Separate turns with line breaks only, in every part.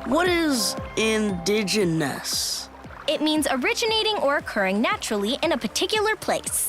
What is indigenous?
It means originating or occurring naturally in a particular place.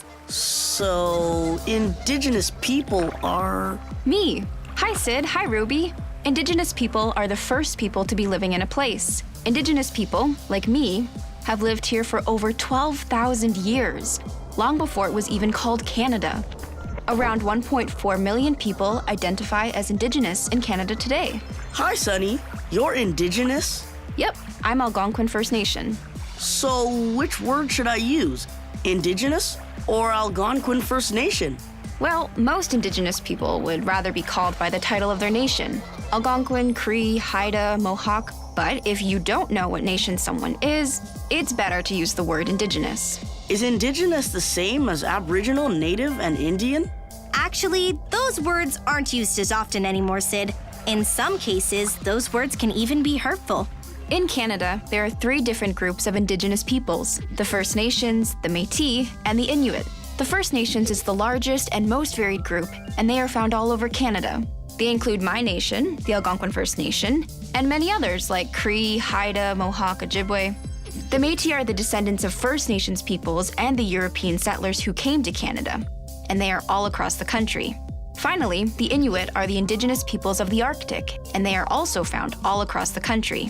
So, indigenous people are...
Me. Hi, Sid. Hi, Ruby. Indigenous people are the first people to be living in a place. Indigenous people, like me, have lived here for over 12,000 years, long before it was even called Canada. Around 1.4 million people identify as Indigenous in Canada today.
Hi, Sunny. You're indigenous?
Yep, I'm Algonquin First Nation.
So, which word should I use? Indigenous or Algonquin First Nation?
Well, most Indigenous people would rather be called by the title of their nation. Algonquin, Cree, Haida, Mohawk. But if you don't know what nation someone is, it's better to use the word Indigenous.
Is indigenous the same as Aboriginal, Native, and Indian?
Actually, those words aren't used as often anymore, Sid. In some cases, those words can even be hurtful.
In Canada, there are 3 different groups of Indigenous peoples: the First Nations, the Métis, and the Inuit. The First Nations is the largest and most varied group, and they are found all over Canada. They include my nation, the Algonquin First Nation, and many others like Cree, Haida, Mohawk, Ojibwe. The Métis are the descendants of First Nations peoples and the European settlers who came to Canada, and they are all across the country. Finally, the Inuit are the Indigenous peoples of the Arctic, and they are also found all across the country.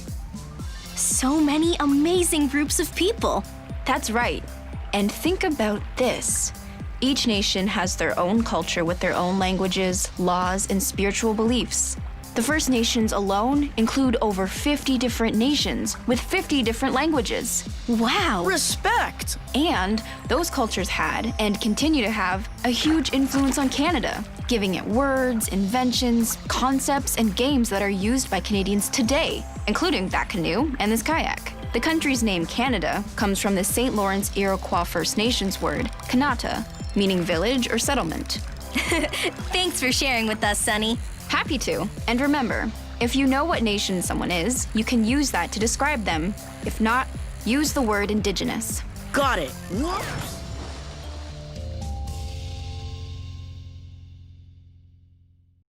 So many amazing groups of people.
That's right. And think about this. Each nation has their own culture with their own languages, laws, and spiritual beliefs. The First Nations alone include over 50 different nations with 50 different languages.
Wow.
Respect!
And those cultures had, and continue to have, a huge influence on Canada, giving it words, inventions, concepts, and games that are used by Canadians today, including that canoe and this kayak. The country's name, Canada, comes from the St. Lawrence Iroquois First Nations word, Kanata, meaning village or settlement.
Thanks for sharing with us, Sunny.
Happy to. And remember, if you know what nation someone is, you can use that to describe them. If not, use the word Indigenous.
Got it. Whoops.